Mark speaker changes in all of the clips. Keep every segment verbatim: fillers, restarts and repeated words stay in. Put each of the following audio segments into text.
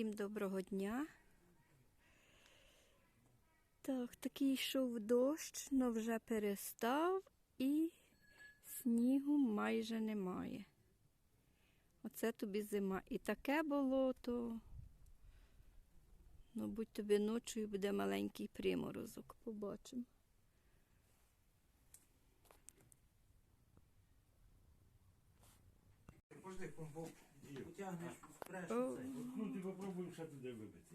Speaker 1: Всім доброго дня. Так, такий йшов дощ, але вже перестав і снігу майже немає. Оце тобі зима. І таке болото. Ну, будь тобі ночою буде маленький приморозок. Побачимо.
Speaker 2: Пожди, помпу утягнеш впреш.
Speaker 1: О.
Speaker 3: Ну, ти попробуй ще туди вибити.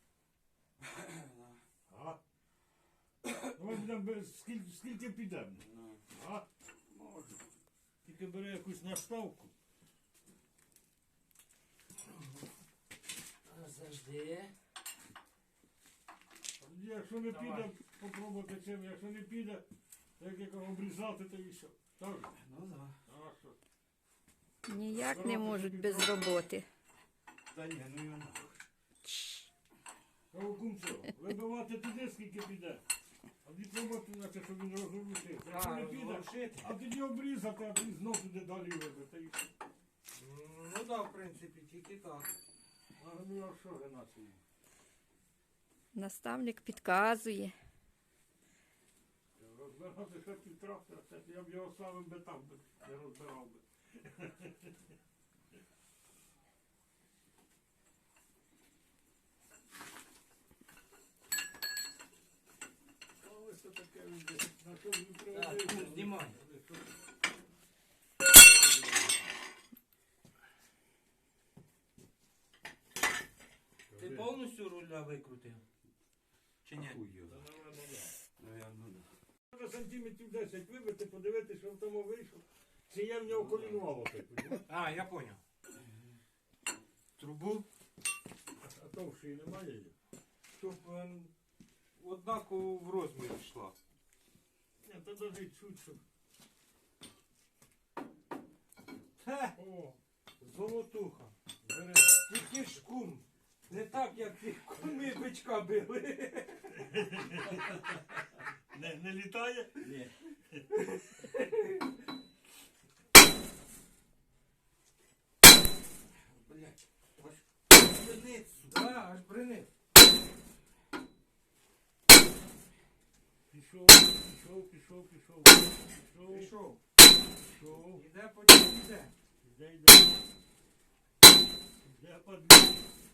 Speaker 3: А? Ну, ми будемо без- скільки, скільки підемо. А?
Speaker 2: Може.
Speaker 3: Тільки бери якусь наставку.
Speaker 2: Завжди.
Speaker 3: Якщо не
Speaker 2: Давай.
Speaker 3: піде, попробуйте чим. Якщо не піде, так як обрізати, то і що. Так?
Speaker 2: Ну да.
Speaker 3: А що?
Speaker 1: Ніяк не можуть без роботи.
Speaker 2: Та ні, ну його.
Speaker 3: Кого кумцо, вибивати туди, скільки піде. А від роботи, наче, щоб він розрушив. Якщо не піде,
Speaker 2: розрушити.
Speaker 3: а тоді обрізати, а тоді знов туди далі вибити. І що?
Speaker 2: Ну да, в принципі, тільки так.
Speaker 3: А ну а що, Геннадій?
Speaker 1: Наставник підказує.
Speaker 3: Розбирати ще під трактора, це я б його ставив би там, би, не розбирав би. А ось це таке, він десь, на що він
Speaker 2: Так,
Speaker 3: приводив.
Speaker 2: ну, знімай. Ти повністю руля викрутив? Чи ні?
Speaker 3: Та, напевно, да.
Speaker 2: Наверно, да.
Speaker 3: Треба сантиметрів десять вибити, подивитися, що в тому вийшло. Чи є в нього колінвало таке.
Speaker 2: А, я поняв. Трубу,
Speaker 3: А товщої немає її.
Speaker 2: щоб ем, однаково в розмір йшла.
Speaker 3: Ні, то навіть чуть, щоб.
Speaker 2: Хе,
Speaker 3: О,
Speaker 2: золотуха.
Speaker 3: бери.
Speaker 2: Тільки ж кум. Не так, як ті куми бичка били.
Speaker 3: Не, не літає?
Speaker 2: Ні. Блять, аж бринить сюди. Да, аж бринить.
Speaker 3: Пішов, пішов, пішов, пішов, пішов,
Speaker 2: Пішов.
Speaker 3: пішов.
Speaker 2: Іде, потім іде.
Speaker 3: Іде, йде. Іде, подвій.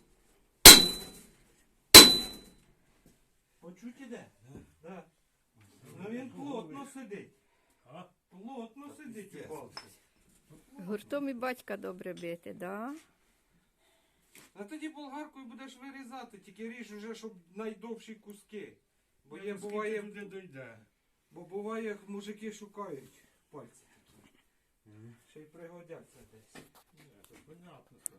Speaker 2: Почуть іде? Да. Ну він плотно сидить.
Speaker 3: А?
Speaker 2: Плотно сидить у палці.
Speaker 1: Гуртом і батька добре бити, да?
Speaker 2: А тоді болгаркою будеш вирізати, тільки ріж уже, щоб найдовші куски. Бо є,
Speaker 3: Скільки
Speaker 2: буває,
Speaker 3: туди дойде.
Speaker 2: бо буває, мужики шукають пальці. Ще й пригодяться десь.
Speaker 3: Ні, це понятно, що.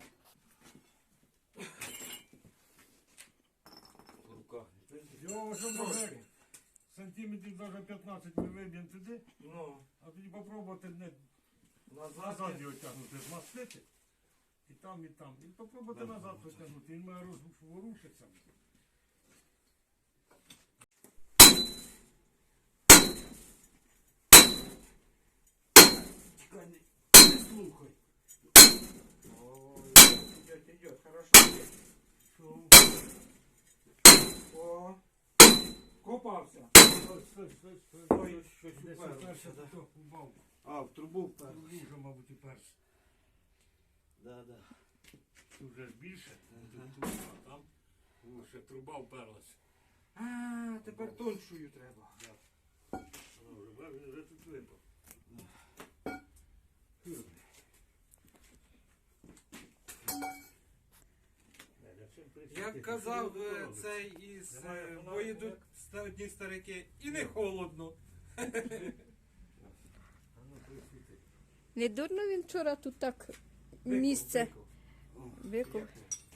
Speaker 2: В руках.
Speaker 3: Його вже може
Speaker 2: Трошки.
Speaker 3: сантиметрів навіть п'ятнадцять ми виб'ємо туди,
Speaker 2: Ну,
Speaker 3: а тоді попробувати не
Speaker 2: назад.
Speaker 3: назад його тягнути, змастити. І там, і там. І попробувати
Speaker 2: Да.
Speaker 3: назад потягнути. Він має розворушитися.
Speaker 2: Чекай, не, не слухай. Ой, идет, идет, хорошо идет.
Speaker 3: Що?
Speaker 2: О, копався.
Speaker 3: Стой, стой, стой, стой.
Speaker 2: Ой, щось
Speaker 3: Десь
Speaker 2: уперлося,
Speaker 3: уперся,
Speaker 2: да.
Speaker 3: то упав.
Speaker 2: А, в трубу
Speaker 3: Трубу вже, мабуть, уперся.
Speaker 2: Да, да.
Speaker 3: Тут вже ж більше,
Speaker 2: Ага.
Speaker 3: тут, тут, а там о, ще труба вперлася.
Speaker 2: А, тепер тоншою треба.
Speaker 3: Вона вже, бачиш, він вже тут випав. Фу. Неля, чим присісти?
Speaker 2: Як
Speaker 3: Ти
Speaker 2: казав
Speaker 3: що
Speaker 2: е,
Speaker 3: робиш?
Speaker 2: цей із
Speaker 3: Немає
Speaker 2: е,
Speaker 3: фонарика,
Speaker 2: бо йдуть
Speaker 3: як?
Speaker 2: ста- одні старики, і не холодно.
Speaker 3: А ну, присісти.
Speaker 1: Не дурно він вчора тут так
Speaker 2: Виков,
Speaker 1: місце
Speaker 2: виков.
Speaker 1: викув.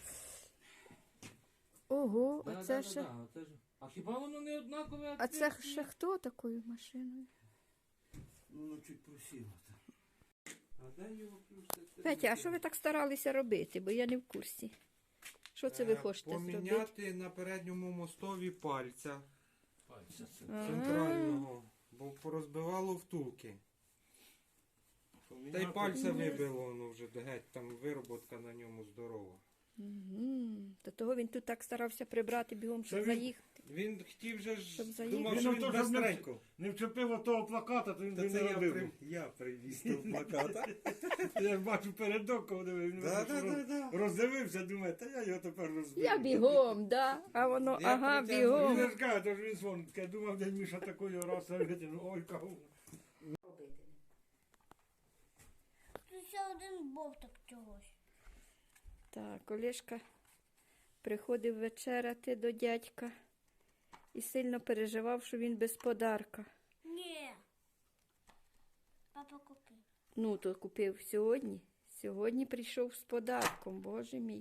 Speaker 1: Ого,
Speaker 2: Да,
Speaker 1: а
Speaker 2: да,
Speaker 1: це
Speaker 2: да,
Speaker 1: ще...
Speaker 2: да, оце ж- А хіба воно не однакове?
Speaker 1: А це ще хто такою машиною?
Speaker 2: Ну, чуть просіло там. А де його плюс?
Speaker 1: Петя, а що ви так старалися робити? Бо я не в курсі. Що це ви хочете зробити?
Speaker 2: Поміняти на передньому мостові пальця
Speaker 3: Пальця це.
Speaker 1: Ага.
Speaker 2: центрального, бо порозбивало втулки. Та й пальця
Speaker 1: Ні.
Speaker 2: вибило, воно вже геть, там вироботка на ньому здорова.
Speaker 1: Мгм. До того він тут так старався прибрати бігом, щоб
Speaker 3: Та він-
Speaker 1: заїхати.
Speaker 2: Він хотів же ж,
Speaker 1: Щоб заїхати.
Speaker 2: думав,
Speaker 3: Він
Speaker 2: що
Speaker 3: ото,
Speaker 2: він
Speaker 3: щоб не-
Speaker 2: быстренько.
Speaker 3: Не вчепив того плаката, то він
Speaker 2: Та
Speaker 3: би
Speaker 2: це
Speaker 3: не
Speaker 2: я,
Speaker 3: робив.
Speaker 2: при... я привіз того плаката.
Speaker 3: Я ж бачу передок, коли він
Speaker 2: Да,
Speaker 3: роз-
Speaker 2: да, да, да.
Speaker 3: роздивився, думає, та я його тепер розбив.
Speaker 1: Я бігом, да? А воно,
Speaker 2: Я
Speaker 1: ага,
Speaker 2: притягну.
Speaker 3: Він
Speaker 1: бігом.
Speaker 3: ж каже, то ж він сон, таке, думав, дядь Міша такою раз витягнув, ой, каву.
Speaker 4: Тут ще один бовток чогось.
Speaker 1: Так, Олешка приходив вечеряти до дядька і сильно переживав, що він без подарка.
Speaker 4: Ні. Папа купив.
Speaker 1: Ну, то купив сьогодні. Сьогодні прийшов з подарком, боже мій.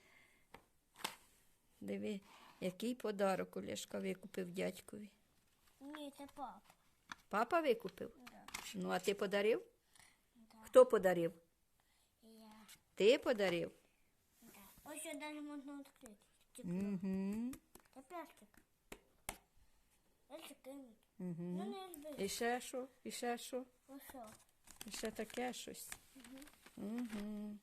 Speaker 1: Диви, який подарок Олешка викупив дядькові.
Speaker 4: Ні, це папа.
Speaker 1: Папа викупив?
Speaker 4: Да.
Speaker 1: Ну, а ти подарив?
Speaker 4: Да.
Speaker 1: Хто подарив?
Speaker 4: Я.
Speaker 1: Ти подарив?
Speaker 4: Да. Ось ще навіть можна відкрити. Стекло.
Speaker 1: Угу.
Speaker 4: Це пластик. Ось кинуть.
Speaker 1: Угу.
Speaker 4: Ну не збив.
Speaker 1: І ще що? І ще що?
Speaker 4: Ось що.
Speaker 1: І ще таке щось. Угу.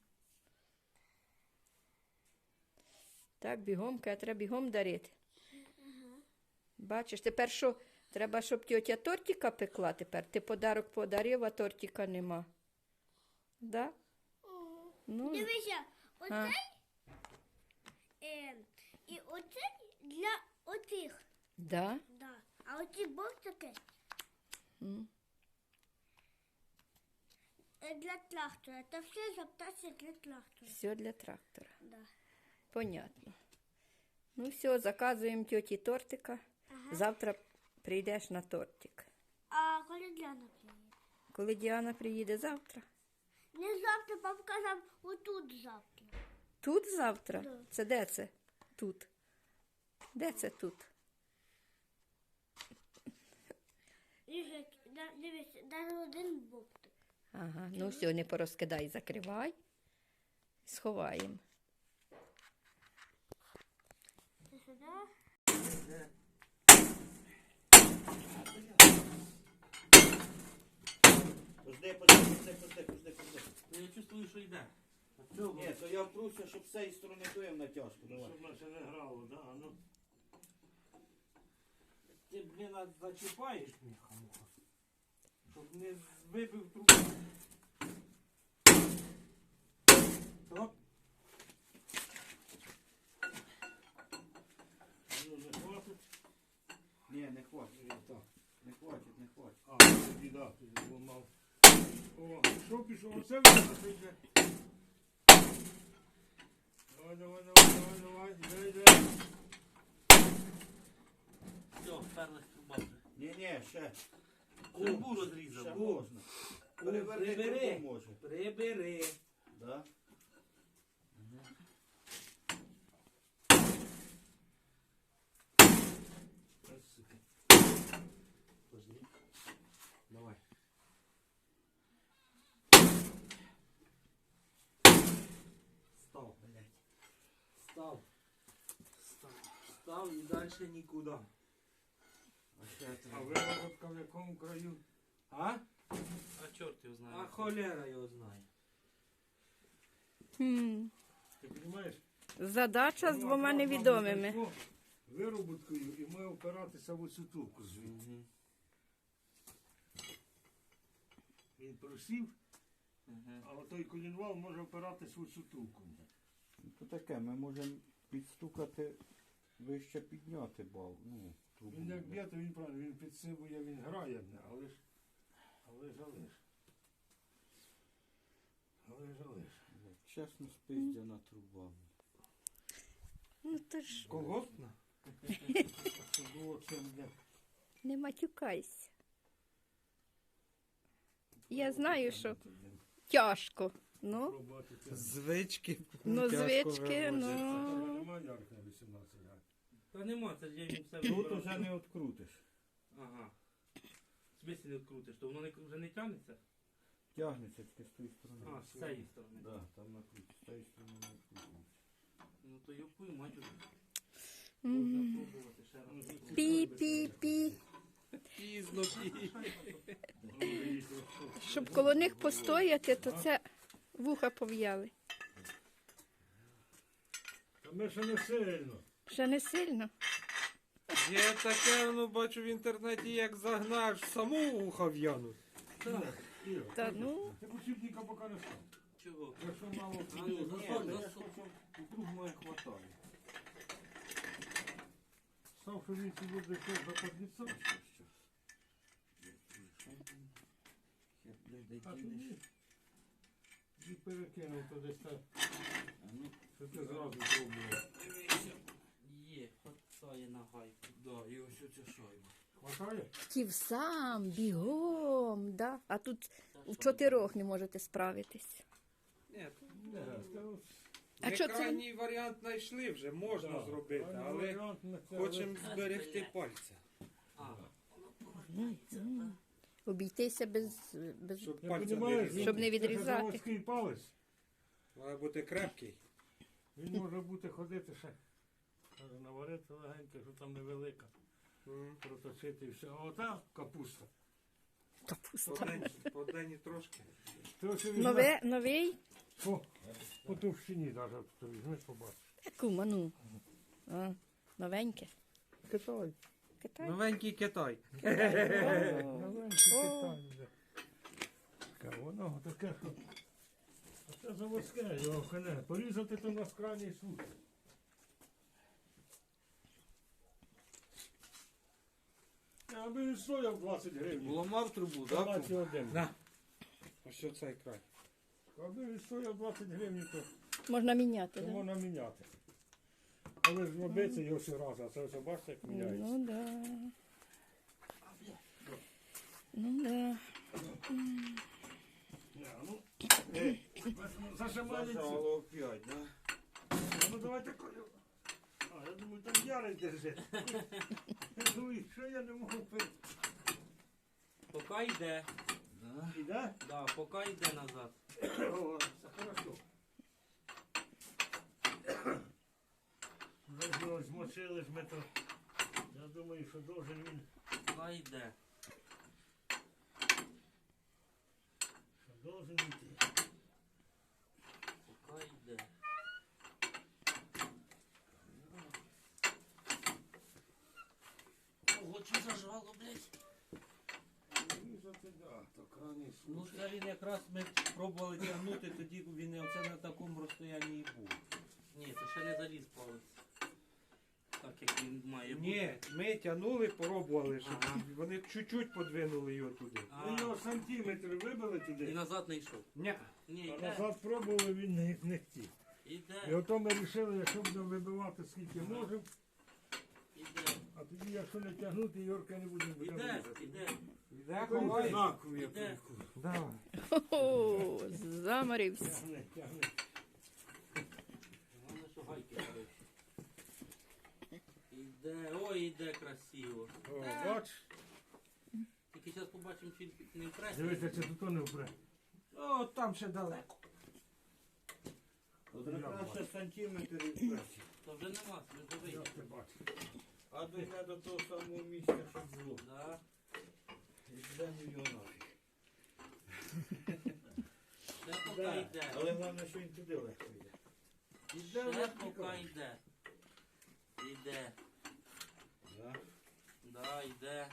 Speaker 1: Так, бігом, каже, треба бігом дарити. Бачиш, тепер що? Треба, щоб тьотя тортика пекла тепер. Ти подарок подарив, а тортика нема. Да? Ну,
Speaker 4: Дивися,
Speaker 1: А.
Speaker 4: оцей е, і оцей для оцих.
Speaker 1: да?
Speaker 4: Да. А оці бовтики
Speaker 1: М.
Speaker 4: е, для трактора. Це все запитання для трактора.
Speaker 1: Все для трактора.
Speaker 4: Да.
Speaker 1: Понятно. Ну все, заказуємо тьоті тортика.
Speaker 4: Ага.
Speaker 1: Завтра прийдеш на тортик.
Speaker 4: А коли Діана приїде?
Speaker 1: Коли Діана приїде завтра?
Speaker 4: Не завтра, папа казав, отут завтра.
Speaker 1: Тут завтра?
Speaker 4: Да.
Speaker 1: Це де це? Тут. Де це тут?
Speaker 4: Лежить, да, дивись, навіть один бовтик.
Speaker 1: Ага, ну все, не порозкидай, закривай. Сховаємо.
Speaker 4: Це сюди.
Speaker 5: Пожди, пожди, пожди, пожди, пожди, пожди.
Speaker 2: Я чувствую, що йде.
Speaker 5: Ні, то я впруся, щоб з цієї сторони дуєм натяжку. Давай.
Speaker 3: Щоб наче не грало, да? А ну.
Speaker 2: Ти, блін, а зачіпаєш міха, муха. Щоб не вибив трубу. Оп.
Speaker 3: Ну, не хватить.
Speaker 5: Ні, не хватить.
Speaker 3: І так.
Speaker 5: Не хватить, не хватить.
Speaker 3: А, тоді, да, тоді зламав. О, пішов, пішов, оце він йде. Давай, давай, давай, давай, давай, йде, йде.
Speaker 6: Все, вперлась труба вже.
Speaker 5: Ні, ні, ще.
Speaker 6: Трубу
Speaker 5: Ще
Speaker 6: розрізав.
Speaker 5: можна. Переверни
Speaker 6: прибери.
Speaker 5: трубу може.
Speaker 6: Прибери.
Speaker 5: Да?
Speaker 6: Пожди.
Speaker 2: Давай. Став, блядь. Став. Став. Став і далі нікуди.
Speaker 5: А ще
Speaker 3: А
Speaker 5: треба.
Speaker 3: виробка в якому краю?
Speaker 2: А?
Speaker 6: А чорт його знає.
Speaker 2: А холера його знає.
Speaker 1: Хм.
Speaker 3: Ти розумієш?
Speaker 1: Задача з
Speaker 3: Ну,
Speaker 1: двома
Speaker 3: якраз нам
Speaker 1: невідомими.
Speaker 3: знайшло вироботкою і має опиратися в оцю трубку звідти.
Speaker 5: Мгм.
Speaker 3: Він просів,
Speaker 6: Мгм.
Speaker 3: а той колінвал може опиратися в оцю трубку.
Speaker 5: Ну, то таке, ми можемо підстукати, вище підняти бал. Ну, трубу.
Speaker 3: Він як б'є, то він правильно, він підсибує, він грає, але ж, але ж, але ж. Але ж, але ж.
Speaker 5: Чесно спиздяна труба.
Speaker 1: Ну то ж
Speaker 2: Колгоспна?
Speaker 3: Це було чим де.
Speaker 1: не матюкайся. Я знаю, що тяжко. Ну,
Speaker 3: Пробувати це.
Speaker 2: Звички.
Speaker 1: ну
Speaker 2: тяжко
Speaker 1: звички,
Speaker 2: вивозяться.
Speaker 1: ну.
Speaker 3: Немає ярк на вісімнадцять градусів.
Speaker 6: Та нема, це ж я їм все
Speaker 5: Тут
Speaker 6: вибрав.
Speaker 5: уже не відкрутиш.
Speaker 6: Ага. В смислі не відкрутиш, то воно не, вже не тягнеться?
Speaker 5: Тягнеться тільки з тої сторони.
Speaker 6: А, з цієї сторони.
Speaker 5: Да, там накрутиш. З тієї сторони не відкрутиш.
Speaker 6: Ну то йопую, мать уже.
Speaker 1: Мгм.
Speaker 6: Можна пробувати ще раз.
Speaker 1: Пі-пі-пі.
Speaker 2: Пізно, пізно.
Speaker 1: Щоб коло них постояти, то це вуха пов'яли.
Speaker 3: Ми ще не сильно.
Speaker 1: Ще не сильно.
Speaker 2: Є таке, ну бачу в інтернеті, як загнаш саму ухо в'януть.
Speaker 3: Іра,
Speaker 1: Та ну,
Speaker 3: ти посібника поки не став.
Speaker 6: Чого?
Speaker 3: Якщо мало
Speaker 6: А ну,
Speaker 3: піде,
Speaker 6: засунь,
Speaker 3: то
Speaker 6: засунь.
Speaker 5: Круг моє хватає.
Speaker 3: став, що він ці буде йшов за подніцом. А тоді і перекинув то десь так, що ти зразу пробував.
Speaker 6: Є, хватає на гайку.
Speaker 5: Да, і ось оця шайба.
Speaker 3: Хватає?
Speaker 1: хотів сам, бігом, да? А тут в чотирьох не можете справитись.
Speaker 2: Ні,
Speaker 3: Не, це ось,
Speaker 1: А
Speaker 2: ми
Speaker 1: що це?
Speaker 2: крайній варіант знайшли вже, можна
Speaker 3: да,
Speaker 2: зробити,
Speaker 3: крайній
Speaker 2: але
Speaker 3: варіант на це,
Speaker 2: хочемо зберегти пальця.
Speaker 6: А,
Speaker 1: Обійтися без, без...
Speaker 2: Щоб
Speaker 3: Я
Speaker 2: пальця не
Speaker 3: понімаю,
Speaker 2: різати.
Speaker 1: Щоб не
Speaker 3: це
Speaker 1: відрізати.
Speaker 3: заводський палець.
Speaker 2: Має бути крепкий.
Speaker 3: Він може бути ходити ще. Каже, наварити легенько, що там невелика.
Speaker 2: М.
Speaker 3: Проточити і все. А ота капуста.
Speaker 1: Капуста.
Speaker 2: По день, по день і трошки.
Speaker 3: Ти ось візьми
Speaker 1: Нове, новий?
Speaker 3: по, по товщині навіть, то візьми, побачиш.
Speaker 1: Кума, ну. А, новеньке.
Speaker 3: Китай.
Speaker 1: Китай.
Speaker 2: Новенький Китай.
Speaker 3: Новенький Китай. вже. Таке воно таке, що... А це заводське, його коне. Порізати то на крайній случай. Аби він стояв двадцять гривень.
Speaker 2: Ламав трубу, так?
Speaker 3: двадцять один.
Speaker 2: На. Ось оцей край.
Speaker 3: Аби він стояв двадцять гривень, то,
Speaker 1: Можна міняти,
Speaker 3: то
Speaker 1: да?
Speaker 3: можна міняти. Але ж робиться його ще раз, а це все бачите, як міняється.
Speaker 1: Ну да. Ну да.
Speaker 3: Ні, ну, ей, зажимається.
Speaker 5: Зажало опять, да?
Speaker 3: Ну давайте колю. А, я думаю, там ярий держить. Я думаю, що я не можу пити.
Speaker 6: поки йде.
Speaker 5: Да.
Speaker 3: Іде?
Speaker 6: Да, поки йде назад.
Speaker 3: О, це хорошо. Вже ж його змочили ж ми то. Я думаю, що должен він,
Speaker 6: Поки йде.
Speaker 3: що должен йти.
Speaker 6: Поки йде. Ого, чи зажало, блядь?
Speaker 5: Різати, да, то крайній
Speaker 6: Ну,
Speaker 5: случай.
Speaker 6: це він якраз ми пробували тягнути, тоді він оце на такому розстоянні і був. Ні, це ще не заліз палець. Так як він має бути.
Speaker 2: Ні, ми тягнули, пробували, щоб
Speaker 6: Ага.
Speaker 2: вони чуть-чуть подвинули його туди.
Speaker 6: А,
Speaker 3: Ми його сантиметр вибили
Speaker 6: і
Speaker 3: туди,
Speaker 6: назад не йшов.
Speaker 2: Ні.
Speaker 6: Ні,
Speaker 3: а
Speaker 6: йде.
Speaker 3: назад пробували, він не, не хотів. І
Speaker 6: Іде.
Speaker 3: ото ми вирішили, якщо будемо вибивати скільки можемо,
Speaker 6: Іде.
Speaker 3: а тоді, якщо не тягнути, Йорка не будемо будемо
Speaker 6: Іде.
Speaker 3: різати.
Speaker 6: Іде.
Speaker 2: Йде,
Speaker 3: Такий
Speaker 2: ховай.
Speaker 3: однаковий, я
Speaker 6: Іде.
Speaker 3: перекурю.
Speaker 2: Давай.
Speaker 1: О, заморився.
Speaker 3: Тягни, тягни.
Speaker 6: Головне, що гайки коротше. Іде. Ой, іде красиво.
Speaker 3: О, бач,
Speaker 6: Тільки зараз побачимо, чи не впре.
Speaker 3: дивися, чи тут не впре.
Speaker 2: О, там ще далеко.
Speaker 5: От якраз ще сантиметр і вперед.
Speaker 6: То вже нема, ми вже
Speaker 3: Я
Speaker 6: вийдемо.
Speaker 3: це бачу.
Speaker 5: А дойде до того самого місця, що було.
Speaker 6: Да.
Speaker 5: І йдемо його нафіг.
Speaker 6: Ще поки
Speaker 5: Да.
Speaker 6: йде.
Speaker 5: Але головне, що він туди легко йде. Іде,
Speaker 6: Ще
Speaker 5: не
Speaker 6: поки
Speaker 5: тікає.
Speaker 6: йде. Іде.
Speaker 5: Да.
Speaker 6: Да, йде.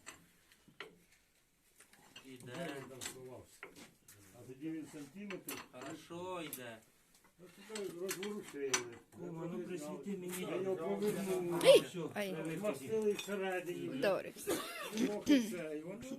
Speaker 3: Де
Speaker 6: Іде.
Speaker 3: він там сховався? А тоді він сантиметр.
Speaker 6: Хорошо йде.
Speaker 3: Ну, туди розворушили.
Speaker 6: Кума, ну присвіти мені.
Speaker 3: Я його повернув.
Speaker 1: Ей!
Speaker 6: Все,
Speaker 1: Ай.
Speaker 6: це виходить.
Speaker 3: Мастили всередині.
Speaker 1: Вдорився.
Speaker 3: Трохи це. І воно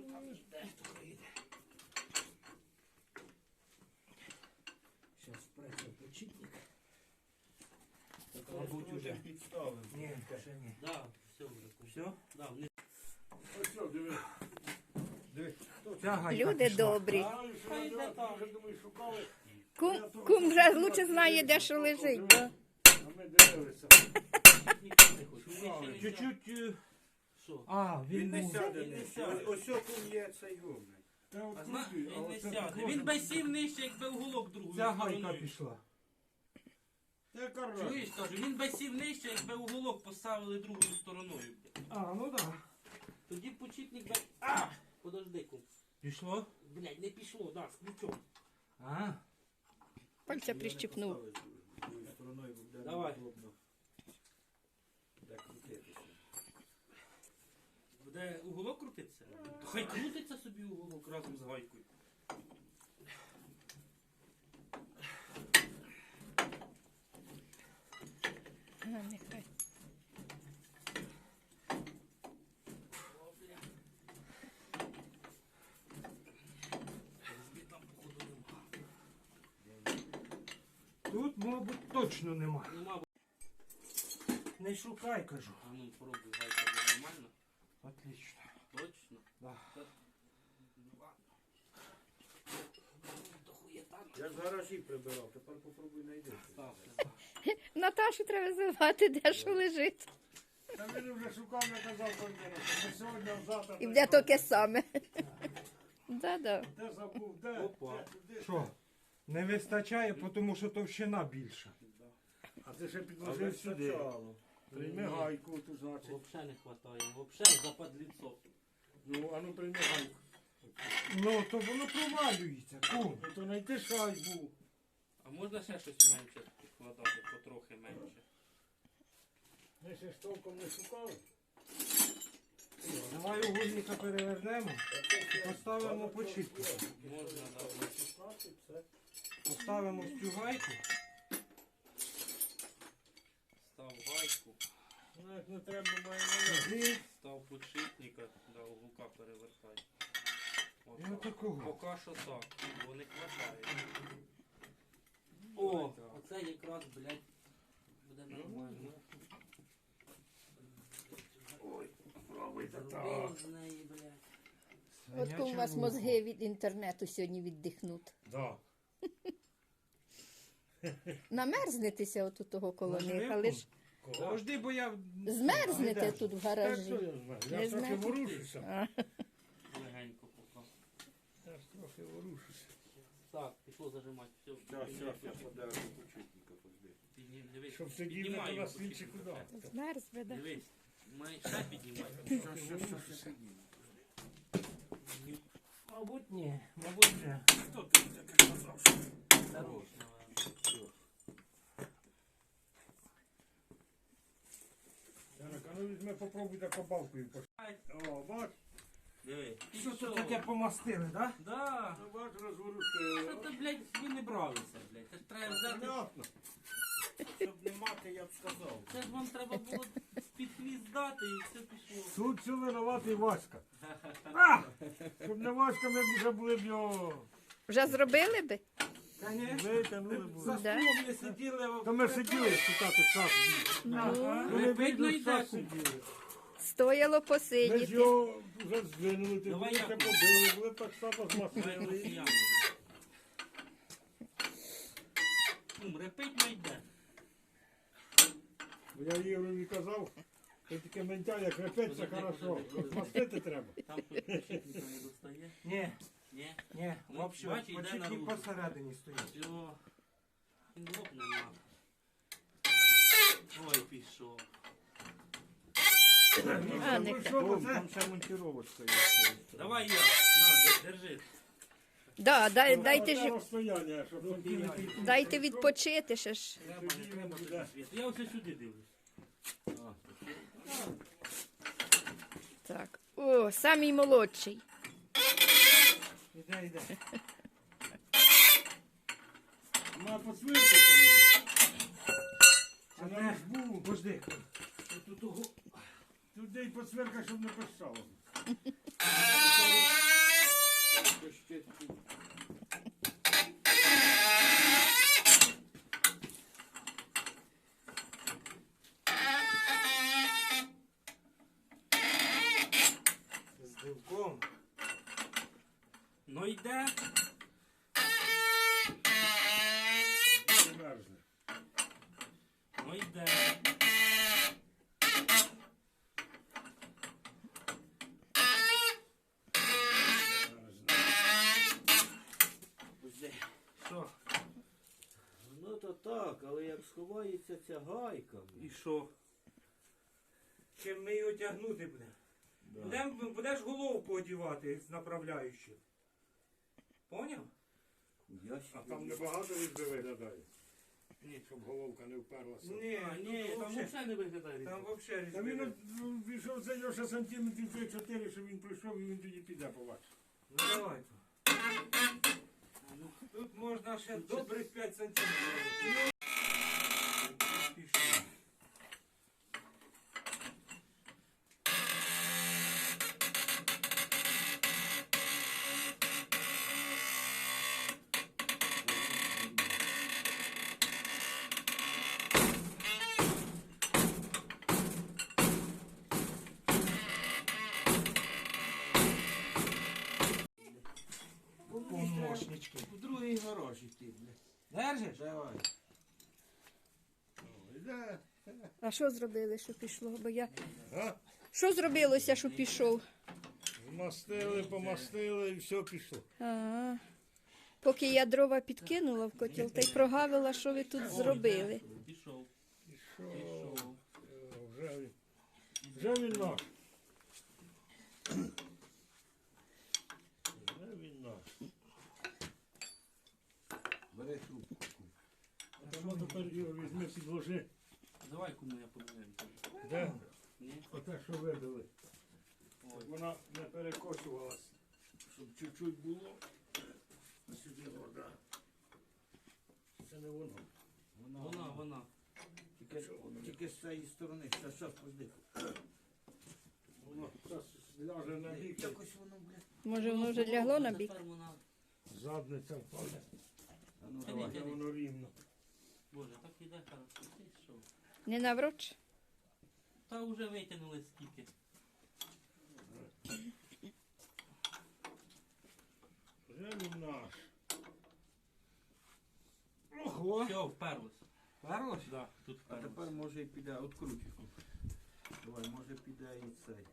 Speaker 5: Зараз праця почитник.
Speaker 2: Мабуть,
Speaker 5: Мабуть,
Speaker 2: уже.
Speaker 5: уже підставив.
Speaker 2: Ні, ще ні.
Speaker 6: Да, все вже. Все? Да, вниз.
Speaker 3: ось що, диви.
Speaker 5: Дивись,
Speaker 2: Ця гайка
Speaker 1: Люди
Speaker 2: пішла.
Speaker 1: добрі.
Speaker 3: А, і що, я там вже думаю, шукали.
Speaker 1: Кум, кум вже лучше знає, де що лежить, да?
Speaker 3: А ми дивилися.
Speaker 6: Ніхто не хоче.
Speaker 3: Шукали.
Speaker 6: Нижче не
Speaker 2: Чуть-чуть. е,
Speaker 6: Що?
Speaker 2: А, він
Speaker 5: Він не
Speaker 2: був.
Speaker 5: сяде
Speaker 6: Він не
Speaker 5: нижче.
Speaker 6: сяде.
Speaker 5: Ось окунь є цей гумний.
Speaker 3: Та от
Speaker 6: А зна,
Speaker 3: крутий, а
Speaker 6: він не
Speaker 3: оце
Speaker 6: сяде.
Speaker 3: так
Speaker 6: Він
Speaker 3: може.
Speaker 6: би сів нижче, якби уголок другою
Speaker 2: Ця гайка
Speaker 6: стороною.
Speaker 2: пішла.
Speaker 3: Та яка
Speaker 6: Чуєш,
Speaker 3: разниця?
Speaker 6: кажу, він би сів нижче, якби уголок поставили другою стороною.
Speaker 2: А, ну так. Да.
Speaker 6: Тоді почіпник би... А! Подожди, кум.
Speaker 2: Пішло?
Speaker 6: Блядь, не пішло, да, з ключом.
Speaker 2: А.
Speaker 1: Пальця прищипнув.
Speaker 5: Другою стороною буде
Speaker 6: Давай.
Speaker 3: неудобно. Де крутитися.
Speaker 6: Буде уголок крутитися? То хай крутиться собі уголок разом з гайкою.
Speaker 1: А, нехай.
Speaker 6: О, бля. Різьби там, походу, нема.
Speaker 2: Тут, мабуть, точно нема.
Speaker 6: Нема, бо-
Speaker 2: Не шукай, кажу.
Speaker 6: а ну пробуй, гайка буде нормально.
Speaker 2: Отлично.
Speaker 6: Точно?
Speaker 2: Да.
Speaker 6: Так. Ну, ладно. То хуєта.
Speaker 3: Я з гаражі прибирав, тепер попробуй знайти.
Speaker 6: Ставте.
Speaker 1: Наташу треба звати, де що лежить.
Speaker 3: Та він вже шукав, я казав контейнер. Ми сьогодні, а завтра.
Speaker 1: І де таке саме. Да-да.
Speaker 3: Де забув, де?
Speaker 6: Опа.
Speaker 3: Де? Туди.
Speaker 2: Що? Не вистачає, тому що товщина більша.
Speaker 3: А ти ще
Speaker 2: А
Speaker 3: підложив сюди.
Speaker 2: вистачало.
Speaker 3: Прийми гайку, тут значить.
Speaker 6: Вообще не хватає. Вообще западліцо.
Speaker 3: Ну, а ну прийми гайку.
Speaker 2: Ну, то воно провалюється, кум.
Speaker 3: Ну то знайти шайбу.
Speaker 6: А можна ще щось менше підкладати, потрохи менше?
Speaker 3: Ми ще ж толком не шукали.
Speaker 2: Давай угольника перевернемо, поставимо почітку.
Speaker 6: Можна, да.
Speaker 3: Шукати, все.
Speaker 2: Поставимо в цю гайку.
Speaker 6: Став гайку,
Speaker 3: Ну, як не треба, має належати.
Speaker 2: Сюди.
Speaker 6: став подшипника, да, уголка перевертай.
Speaker 2: І
Speaker 6: Отак.
Speaker 2: отакого.
Speaker 6: Поки що так, бо не хватає. О, оце якраз, блядь, буде нормально.
Speaker 3: Ой, пробуйте так.
Speaker 6: Зробив з неї, блядь.
Speaker 1: От коли у вас мозги від інтернету сьогодні віддихнуть.
Speaker 3: Да.
Speaker 1: Намерзнетеся от у того коло них,
Speaker 2: Наживку?
Speaker 1: але ж
Speaker 3: Кого?
Speaker 2: Завжди, бо я...
Speaker 1: змерзнете
Speaker 2: Зайдеш.
Speaker 1: тут в
Speaker 3: Так,
Speaker 1: гаражі.
Speaker 3: що я знаю?
Speaker 1: Не
Speaker 3: Я ж трохи
Speaker 1: знаю.
Speaker 3: ворушуся.
Speaker 1: А,
Speaker 6: Легенько поки.
Speaker 3: Я ж трохи ворушуся.
Speaker 6: Так, пішло зажимати. Все,
Speaker 5: Щас, щас, я подарю почутника позбив.
Speaker 6: Піднім, дивись.
Speaker 3: Щоб сидів не
Speaker 6: Піднімай
Speaker 3: то
Speaker 6: його
Speaker 3: на свічі
Speaker 6: потрібно
Speaker 3: куди.
Speaker 6: трохи.
Speaker 1: Змерз би, да.
Speaker 6: Дивись, май ще піднімай.
Speaker 2: Що, що, що, що?
Speaker 6: Мабуть, ні. Мабуть, ні.
Speaker 3: Хто ти таке казав?
Speaker 6: Хорош,
Speaker 3: Ярик, а ну візьми, попробуй так побалкою. О, бач,
Speaker 6: диви.
Speaker 2: Що тут таке помастили, так?
Speaker 6: Да.
Speaker 3: ну, бач,
Speaker 6: Що
Speaker 3: розворушив.
Speaker 6: ти, блядь, ви не бралися, блядь. Це ж треба взяти.
Speaker 3: Понятно.
Speaker 5: Щоб не мати, я б сказав.
Speaker 6: Це ж вам треба було під хвіст дати і все пішло.
Speaker 3: Тут все винуватий Васька. А! Щоб не Васька, ми б вже були б його
Speaker 1: Вже зробили би?
Speaker 2: Конечно.
Speaker 3: витягнули б.
Speaker 2: За
Speaker 1: Да.
Speaker 2: столом не сиділи.
Speaker 3: Та ми сиділи шукати час.
Speaker 2: Ага.
Speaker 3: Вони
Speaker 6: Видно,
Speaker 3: видно,
Speaker 6: йде
Speaker 3: час
Speaker 6: кум.
Speaker 3: сиділи.
Speaker 1: Стояло
Speaker 3: Ми ж
Speaker 1: посидіти.
Speaker 3: його вже здвинули, ти
Speaker 6: Давай
Speaker 3: були
Speaker 6: я
Speaker 3: це
Speaker 6: куплю.
Speaker 3: побили, були так само
Speaker 6: Давай
Speaker 3: змастили.
Speaker 6: росіяни. Кум, репить найде.
Speaker 3: Бо я Ігорові казав, що таке ментя, як репеться,
Speaker 6: Подожди,
Speaker 3: хорошо.
Speaker 6: подожди, подожди.
Speaker 3: Мастити треба.
Speaker 6: Там тут почетника не достає.
Speaker 2: Ні,
Speaker 6: Ні?
Speaker 2: ні,
Speaker 6: Ну,
Speaker 2: взагалі,
Speaker 6: бачиш, йде
Speaker 2: почетні
Speaker 6: наружу.
Speaker 2: посередині стоять.
Speaker 6: Все. Він лопне на. Ой, пішов.
Speaker 1: А,
Speaker 3: Ну
Speaker 1: нехай.
Speaker 3: що,
Speaker 5: О,
Speaker 3: це?
Speaker 5: там ще монтировочка є.
Speaker 6: Давай я. На, держи.
Speaker 1: Да, дай, дайте,
Speaker 3: Оце
Speaker 1: ж,
Speaker 3: розстояння, щоб закинути.
Speaker 1: дайте відпочити ще ж.
Speaker 6: Треба, не треба туди світу. Я ось сюди дивлюсь.
Speaker 1: Так. О, самий молодший.
Speaker 2: Іде, іде.
Speaker 3: На посвирку там.
Speaker 2: А
Speaker 3: Це
Speaker 2: де?
Speaker 3: на різьбу.
Speaker 2: Пожди.
Speaker 3: Тут того. Туди й посвирка, щоб не пищало.
Speaker 2: З дивком.
Speaker 6: Ну йде.
Speaker 3: Не мерзне.
Speaker 6: Ну йде.
Speaker 3: Мерзне.
Speaker 6: Що?
Speaker 5: Ну то так, але як сховається ця гайка.
Speaker 6: І що?
Speaker 2: Чим ми його тягнути будемо? Будем, будеш головку одівати з направляючим. Поняв?
Speaker 5: Я
Speaker 3: А там небагато різьби виглядає. Ні, щоб головка не вперлася.
Speaker 2: Ні,
Speaker 6: А,
Speaker 2: ні,
Speaker 6: ну,
Speaker 2: там,
Speaker 6: взагалі не виглядає.
Speaker 2: там взагалі
Speaker 3: Та він
Speaker 2: різьби.
Speaker 3: ну, пішов це Льоша сантиметрів три-чотири, щоб він прийшов і він тоді піде побачить.
Speaker 2: Ну давай. Тут можна ще добрих п'ять сантиметрів. Пішли. Помощнички.
Speaker 5: У другий гараж іти, блядь.
Speaker 2: Держиш?
Speaker 5: Давай.
Speaker 3: О, іде.
Speaker 1: А що зробили, що пішло? Бо я...
Speaker 3: А?
Speaker 1: Що зробилося, що пішов?
Speaker 3: Змастили, помастили і все пішло.
Speaker 1: А, поки я дрова підкинула в котел, та й прогавила, що ви тут зробили.
Speaker 6: Пішов.
Speaker 3: Пішов.
Speaker 6: Пішов.
Speaker 3: Е, Вже він. Вже він наш. Вже він наш.
Speaker 5: Бери трубку.
Speaker 3: А тому тепер його візьми, підложи.
Speaker 6: Давай кому я поміняю.
Speaker 3: Де?
Speaker 6: Ні?
Speaker 3: Оте, що вибили.
Speaker 6: Ой.
Speaker 3: Вона не перекочувалась. Щоб чуть-чуть було. А сюди вода. Це не воно.
Speaker 6: Вона, вона.
Speaker 5: Тільки, тільки з цієї сторони. Зараз, зараз, подих.
Speaker 3: Воно зараз ляже на бік.
Speaker 5: Якось воно, блядь.
Speaker 1: Може, воно вже лягло на бік?
Speaker 6: Тепер вона...
Speaker 3: Задниця впаде.
Speaker 5: А ну
Speaker 6: Та
Speaker 5: давай.
Speaker 6: ні,
Speaker 3: А воно рівно.
Speaker 6: Боже, так іде хорошо. Ти що?
Speaker 1: Не навроч?
Speaker 6: Та вже витягнули скільки.
Speaker 3: Вже він наш. Ого!
Speaker 6: Все, вперлось.
Speaker 2: Перлось?
Speaker 6: Да, тут
Speaker 5: А
Speaker 6: вперлось.
Speaker 5: тепер може і піде, откручуй. Давай, може піде і цей.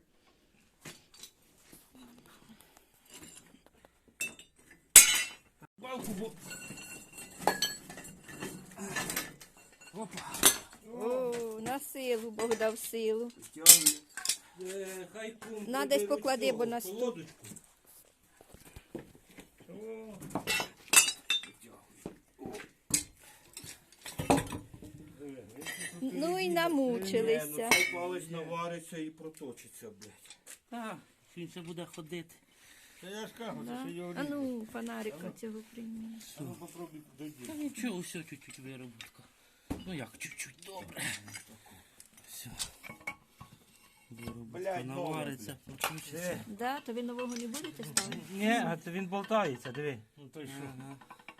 Speaker 3: Балку, бо...
Speaker 1: О, на силу Бог дав силу.
Speaker 5: Тягуй.
Speaker 2: Е, хай кум
Speaker 1: На, десь
Speaker 2: приберуть
Speaker 1: поклади,
Speaker 2: цього,
Speaker 1: бо на стол.
Speaker 2: колодочку.
Speaker 3: О, диви, він тут
Speaker 1: Ну і
Speaker 5: Ні, ну
Speaker 1: намучилися.
Speaker 5: цей палець навариться і проточиться, блядь.
Speaker 6: А, він ще буде ходити.
Speaker 3: Та я ж кажу, це
Speaker 1: Да?
Speaker 3: ще його
Speaker 1: А
Speaker 3: рівно.
Speaker 1: ну, фонарика цього прийми.
Speaker 3: А ну попробуй
Speaker 6: Та
Speaker 3: дойди.
Speaker 6: нічого, все, чуть-чуть виробітка. Ну як, чуть-чуть, добре. Все. Виробітка
Speaker 5: Блядь, нове,
Speaker 6: навариться, включиться.
Speaker 1: Да, то ви нового не будете ставити?
Speaker 2: Ні, а це він болтається, диви.
Speaker 3: Ну то й що?
Speaker 6: Ага.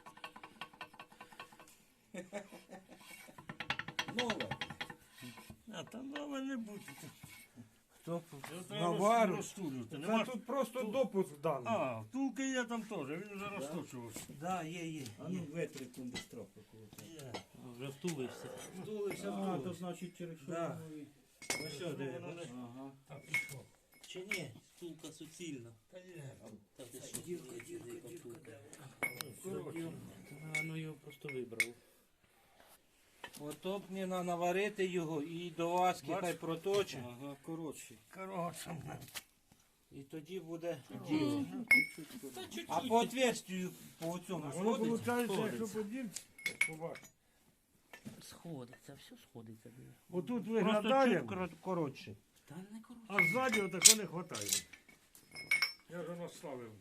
Speaker 5: Нове.
Speaker 3: А там нове не буде.
Speaker 2: Хто
Speaker 3: Навару.
Speaker 2: навару?
Speaker 3: Розтулювати.
Speaker 2: Це
Speaker 3: Нема...
Speaker 2: тут просто допуск даний.
Speaker 3: А, втулки є там теж, він вже розточувався.
Speaker 2: Да, є, є.
Speaker 5: А ну витри кондистропи.
Speaker 3: Є.
Speaker 6: Вже втулився.
Speaker 2: Втулився,
Speaker 5: А, то
Speaker 2: втулився.
Speaker 5: значить через що
Speaker 2: Да.
Speaker 5: воно і...
Speaker 2: Ну що, диви,
Speaker 3: Воно
Speaker 2: бачиш?
Speaker 3: не-
Speaker 5: Ага.
Speaker 3: Так і що?
Speaker 6: Чи ні? Стулка суцільна.
Speaker 3: Та є.
Speaker 6: Та ти що?
Speaker 5: Дірка,
Speaker 6: Дивись,
Speaker 5: дірка,
Speaker 6: яка
Speaker 5: дірка,
Speaker 6: втулка.
Speaker 3: Коротше,
Speaker 6: А, ну його просто вибрав.
Speaker 2: Ото б не на- наварити його і до васки
Speaker 3: Бач?
Speaker 2: хай проточить.
Speaker 5: Ага, коротше.
Speaker 3: коротше.
Speaker 2: І тоді буде
Speaker 3: Ну,
Speaker 2: діло. А по отверстию по цьому
Speaker 3: Воно
Speaker 2: сходиться?
Speaker 3: виходить, якщо
Speaker 6: сходиться.
Speaker 3: поділити, побачиш.
Speaker 6: Сходиться, все сходиться. диви.
Speaker 3: Отут
Speaker 2: Просто
Speaker 3: виглядає,
Speaker 2: чуть кор- коротше.
Speaker 6: Та не коротше.
Speaker 3: а ззаді отако не вистачає. Я вже наставив.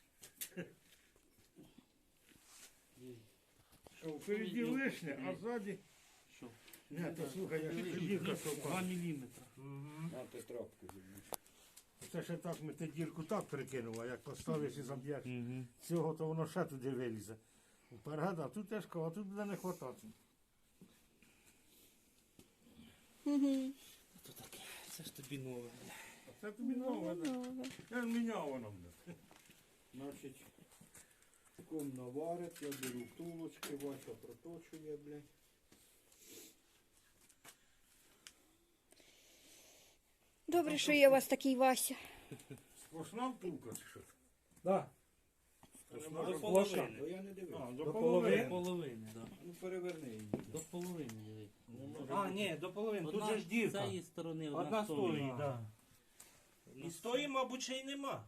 Speaker 3: Що впереді лишнє, а ззаді...
Speaker 6: Що?
Speaker 3: Ні, то слухай, я ще дірка
Speaker 6: Два
Speaker 3: совпала.
Speaker 6: міліметри.
Speaker 5: На ти трапку візьми.
Speaker 3: Це ще так ми ти дірку так перекинули, а як поставиш і заб'єш
Speaker 6: Угу.
Speaker 3: цього, то воно ще туди вилізе. Вперед, а тут тяжко, а тут буде не хватати.
Speaker 1: Угу.
Speaker 6: То таке, це ж тобі нове.
Speaker 3: А це тобі нове, да? Я ж міняв воно, бля.
Speaker 5: Значить, ком наварить, я беру втулочки, Вася проточує, блядь.
Speaker 1: Добре, що є у вас такий Вася.
Speaker 3: Сплошна втулка чи що?
Speaker 2: Да.
Speaker 3: Сплошна?
Speaker 6: До
Speaker 2: До
Speaker 6: половини.
Speaker 5: То я не дивився.
Speaker 3: А, до
Speaker 2: До
Speaker 6: До
Speaker 3: половини.
Speaker 6: половини, так.
Speaker 5: Ну переверни її.
Speaker 6: До половини, диви.
Speaker 3: Не може
Speaker 2: А,
Speaker 3: бути.
Speaker 2: ні, до половини. Тут
Speaker 6: Одна
Speaker 2: же ж
Speaker 6: з
Speaker 2: дірка.
Speaker 6: цієї сторони, одна,
Speaker 2: Одна
Speaker 6: з тої.
Speaker 2: стоїть, так. І з тої, мабуть, ще й нема.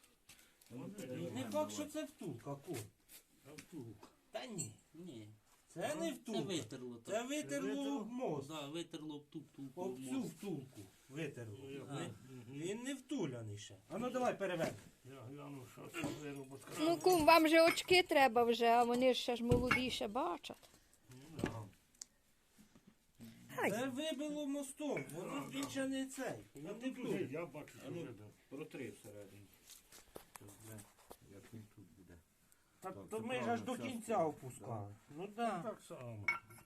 Speaker 5: Ну,
Speaker 2: Не
Speaker 5: переверни,
Speaker 2: факт, що це втулка, ку.
Speaker 3: А втулка.
Speaker 2: Та ні.
Speaker 6: Ні.
Speaker 3: Це не
Speaker 6: Це
Speaker 3: втулка.
Speaker 6: витерло.
Speaker 3: Це
Speaker 6: так.
Speaker 3: витерло об мост.
Speaker 6: Да, витерло об ту втулку.
Speaker 3: Об
Speaker 6: об
Speaker 3: цю
Speaker 6: мост.
Speaker 3: втулку витерло.
Speaker 6: А.
Speaker 3: Він не втуляний ще. А ну давай переверни. Я гляну, що це вироботка.
Speaker 1: Ну, кум, вам же очки треба вже, а вони ж ще ж молоді, ще бачать. Ай.
Speaker 3: Це вибило мостом, воно він ще не цей. Він не втуляний.
Speaker 5: Я бачу,
Speaker 3: А ну,
Speaker 5: протри всередині. Як він тут буде.
Speaker 3: Та,
Speaker 5: Так,
Speaker 3: то
Speaker 5: це
Speaker 3: ми ж аж
Speaker 5: правильно,
Speaker 3: до
Speaker 5: ця
Speaker 3: кінця
Speaker 5: сторона.
Speaker 3: опускали. Ну так.
Speaker 5: Так само.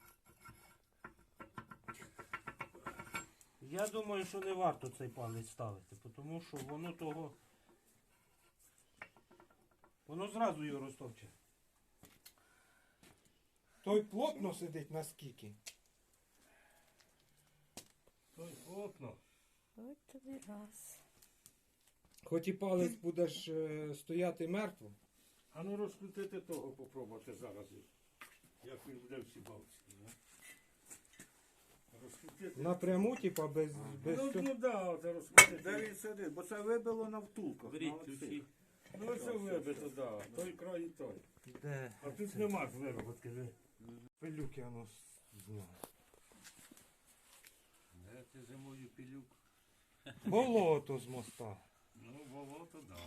Speaker 3: Я думаю, що не варто цей палець ставити, тому що воно того. Воно зразу його розтопче.
Speaker 2: Той плотно сидить наскільки.
Speaker 3: Ой, плотно.
Speaker 1: Ось тобі раз.
Speaker 2: Хоч і палець будеш е, стояти мертво.
Speaker 3: А ну розкрутити того попробувати зараз. Як він буде всі балці. Розкрутити.
Speaker 2: Напряму, типа, без, без
Speaker 3: Ну,
Speaker 2: цього.
Speaker 3: ну да, це розкрутити.
Speaker 5: Де він сидить? Бо це вибило на втулках.
Speaker 6: Беріть
Speaker 5: на оцих.
Speaker 6: ключі.
Speaker 3: Ну це вибито, да. Той край і той.
Speaker 2: Де?
Speaker 3: А тут нема ж вироботки. ви.
Speaker 2: Пилюки воно зняв.
Speaker 5: Де ти зимою пилюк?
Speaker 2: Болото з моста.
Speaker 5: Ну, болото, да.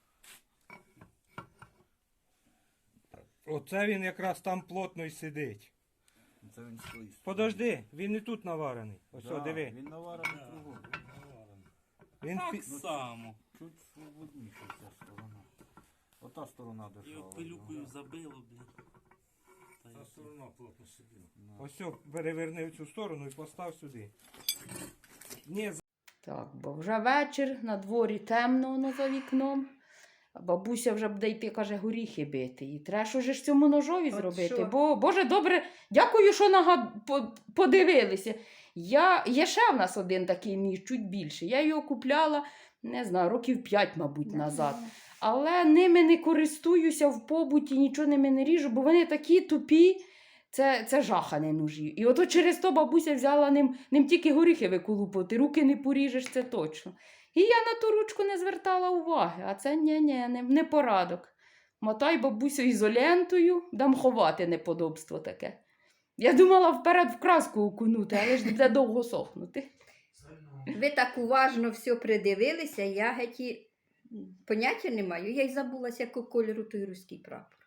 Speaker 2: Оце він якраз там плотно й сидить.
Speaker 5: Це він стоїть.
Speaker 2: Подожди, він і тут наварений. Ось, о, диви.
Speaker 5: Він наварений кругом.
Speaker 2: Він
Speaker 6: Так
Speaker 2: пі-
Speaker 6: само.
Speaker 5: Чуть свободніше ця сторона. Ота сторона
Speaker 6: Його
Speaker 5: дешева.
Speaker 6: пилюкою забило, блін. Та й
Speaker 3: Та
Speaker 6: все.
Speaker 3: сторона плотно сиділа.
Speaker 2: Ось, о, переверни в цю сторону і постав сюди. Ні,
Speaker 7: Так, бо вже вечір, на дворі темно воно за вікном. А бабуся вже буде йти, каже, горіхи бити. І треба що ж цьому ножові
Speaker 1: От
Speaker 7: зробити.
Speaker 1: що?
Speaker 7: Бо, Боже, добре, дякую, що нагад... по- подивилися. Я... Є ще в нас один такий ніж, чуть більше. Я його купляла, не знаю, років п'ять, мабуть, назад. Але ними не користуюся в побуті, нічого ними не ріжу, бо вони такі тупі. Це, це жахані ножі. І ото через то бабуся взяла ним, ним тільки горіхи виколупати, руки не поріжеш, це точно. І я на ту ручку не звертала уваги, а це ні-ні, не, не порадок. Мотай бабусю ізолентою, дам ховати неподобство таке. Я думала вперед в краску окунути, але ж буде довго сохнути.
Speaker 1: Ви так уважно все придивилися, я геть і поняття не маю. Я й забулася, якого кольору той руський прапор.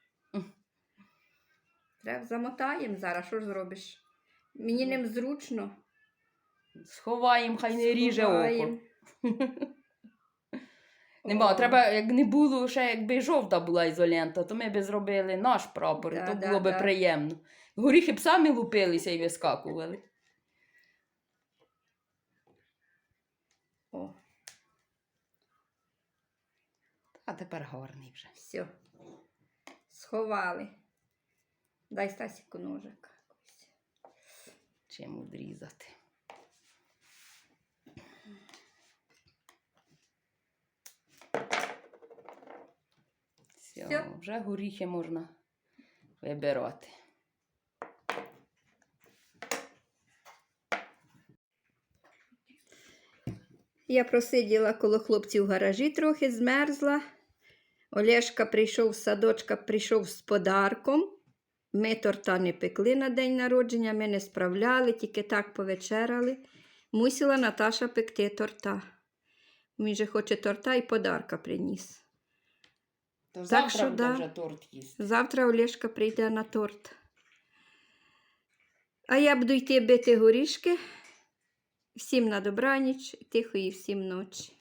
Speaker 1: Треба замотаємо зараз, що ж зробиш? Мені ним зручно.
Speaker 7: Сховаємо, хай не ріже око.
Speaker 1: Сховаємо.
Speaker 7: Нема,
Speaker 1: О.
Speaker 7: треба, як не було, ще якби жовта була ізолента, то ми б зробили наш прапор,
Speaker 1: Да,
Speaker 7: і то
Speaker 1: да,
Speaker 7: було би
Speaker 1: да.
Speaker 7: приємно. Горіхи б самі лупилися і вискакували.
Speaker 1: О,
Speaker 7: А тепер гарний вже.
Speaker 1: все. Сховали. Дай Стасіку ножик.
Speaker 7: Чим відрізати. Все,
Speaker 1: Всьо.
Speaker 7: вже горіхи можна вибирати.
Speaker 1: Я просиділа коло хлопців в гаражі трохи, змерзла. Олешка прийшов з садочка, прийшов з подарком. Ми торта не пекли на день народження, ми не справляли, тільки так повечеряли. Мусила Наташа пекти торта. Він же хоче торта і подарка приніс.
Speaker 7: То
Speaker 1: Так
Speaker 7: завтра
Speaker 1: що
Speaker 7: буде
Speaker 1: да.
Speaker 7: вже торт їсти.
Speaker 1: Завтра Олешка прийде на торт. А я буду йти бити горішки. Всім на добраніч, тихої всім ночі.